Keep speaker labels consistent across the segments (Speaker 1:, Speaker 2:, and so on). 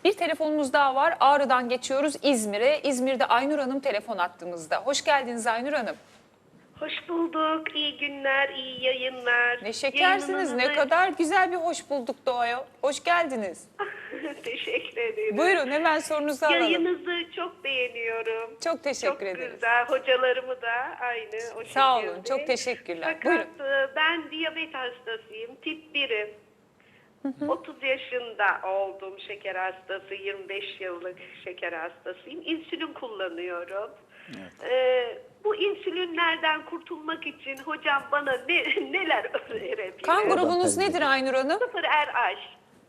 Speaker 1: Bir telefonumuz daha var. Ağrı'dan geçiyoruz İzmir'e. İzmir'de Aynur Hanım telefon attığımızda. Hoş geldiniz Aynur Hanım.
Speaker 2: Hoş bulduk. İyi günler, iyi yayınlar.
Speaker 1: Ne şekersiniz. Ne kadar güzel bir hoş bulduk doğaya. Hoş geldiniz.
Speaker 2: Teşekkür ederim.
Speaker 1: Buyurun hemen sorunuzu alalım.
Speaker 2: Yayınınızı çok beğeniyorum.
Speaker 1: Çok teşekkür ederiz.
Speaker 2: Çok güzel. Hocalarımı da aynı o şekilde.
Speaker 1: Sağ olun. Çok teşekkürler.
Speaker 2: Fakat
Speaker 1: Buyurun.
Speaker 2: ben diyabet hastasıyım. Tip 1'im. 30 yaşında oldum, şeker hastası. 25 yıllık şeker hastasıyım. İnsülin kullanıyorum. Bu insülinlerden kurtulmak için hocam bana neler önerebilir?
Speaker 1: Kan grubunuz nedir Aynur Hanım?
Speaker 2: 0 RH.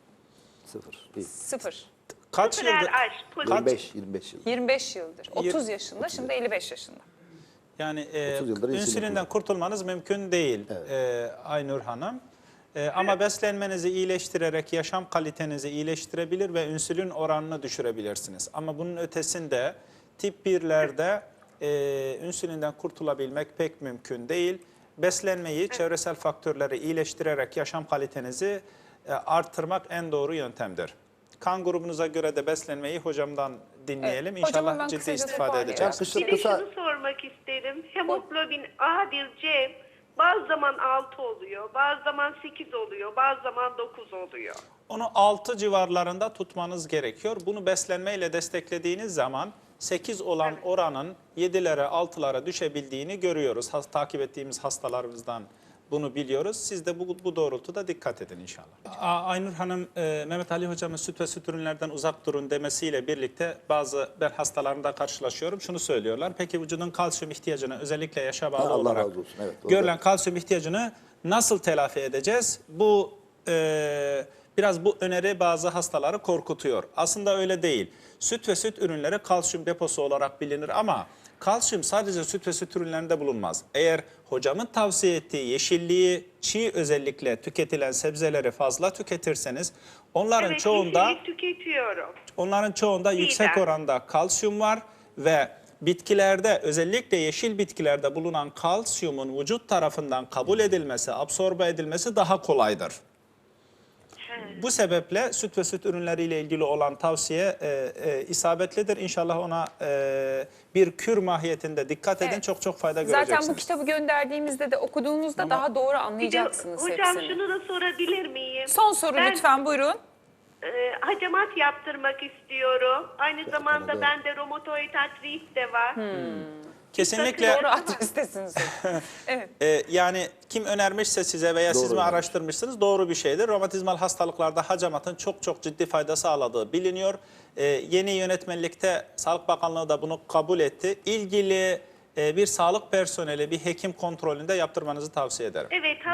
Speaker 1: 0.
Speaker 3: Kaç
Speaker 2: 0
Speaker 3: yıldır?
Speaker 2: RH. Pozitif.
Speaker 4: 25 yıl.
Speaker 1: 25 yıldır. 30 yaşında, şimdi 55 yaşında.
Speaker 3: Yani
Speaker 4: 30 yıldır insülin
Speaker 3: insülinden
Speaker 4: kullanıyor.
Speaker 3: kurtulmanız mümkün değil Aynur Hanım. Ama beslenmenizi iyileştirerek yaşam kalitenizi iyileştirebilir ve insülin oranını düşürebilirsiniz. Ama bunun ötesinde tip 1'lerde insülinden kurtulabilmek pek mümkün değil. Beslenmeyi, çevresel faktörleri iyileştirerek yaşam kalitenizi artırmak en doğru yöntemdir. Kan grubunuza göre de beslenmeyi hocamdan dinleyelim.
Speaker 1: Evet, hocam hemen
Speaker 3: İnşallah ciddi
Speaker 1: kısaca
Speaker 3: istifade
Speaker 1: toparlayalım.
Speaker 3: edeceğiz.
Speaker 2: Bir de şunu sormak isterim. Hemoglobin A1C bazı zaman 6 oluyor, bazı zaman 8 oluyor, bazı zaman 9 oluyor.
Speaker 3: Onu 6 civarlarında tutmanız gerekiyor. Bunu beslenmeyle desteklediğiniz zaman 8 olan oranın 7'lere 6'lara düşebildiğini görüyoruz. Takip ettiğimiz hastalarımızdan bunu biliyoruz. Siz de bu doğrultuda dikkat edin inşallah. Aynur Hanım, Mehmet Ali Hocam'ın süt ve süt ürünlerden uzak durun demesiyle birlikte ben hastalarımda karşılaşıyorum. Şunu söylüyorlar. Peki vücudun kalsiyum ihtiyacını özellikle yaşa bağlı
Speaker 4: Allah
Speaker 3: olarak
Speaker 4: razı olsun. Evet, doğru.
Speaker 3: görülen kalsiyum ihtiyacını nasıl telafi edeceğiz? Biraz bu öneri bazı hastaları korkutuyor. Aslında öyle değil. Süt ve süt ürünleri kalsiyum deposu olarak bilinir ama kalsiyum sadece süt ve süt ürünlerinde bulunmaz. Eğer hocamın tavsiye ettiği yeşilliği, çiğ özellikle tüketilen sebzeleri fazla tüketirseniz onların
Speaker 2: Evet,
Speaker 3: çoğunda
Speaker 2: yeşillik tüketiyorum.
Speaker 3: yüksek oranda kalsiyum var ve bitkilerde, özellikle yeşil bitkilerde bulunan kalsiyumun vücut tarafından kabul edilmesi, absorbe edilmesi daha kolaydır. Bu sebeple süt ve süt ürünleriyle ilgili olan tavsiye isabetlidir. İnşallah ona bir kür mahiyetinde dikkat edin.
Speaker 1: Evet.
Speaker 3: Çok fayda göreceksiniz.
Speaker 1: Zaten bu kitabı gönderdiğimizde de okuduğunuzda daha doğru
Speaker 2: Bir de
Speaker 1: anlayacaksınız
Speaker 2: hocam
Speaker 1: hepsini.
Speaker 2: şunu da sorabilir miyim?
Speaker 1: Son soru
Speaker 2: Ben,
Speaker 1: lütfen buyurun.
Speaker 2: Hacamat yaptırmak istiyorum. Aynı zamanda
Speaker 4: evet.
Speaker 2: bende romatoid artrit de var.
Speaker 3: Kesinlikle
Speaker 1: Doğru adrestesiniz. Evet.
Speaker 3: yani kim önermişse size veya siz mi
Speaker 4: önermiş.
Speaker 3: araştırmışsınız doğru bir şeydir. Romatizmal hastalıklarda hacamatın çok ciddi fayda sağladığı biliniyor. Yeni yönetmelikte Sağlık Bakanlığı da bunu kabul etti. İlgili bir sağlık personeli, bir hekim kontrolünde yaptırmanızı tavsiye ederim.
Speaker 2: Evet.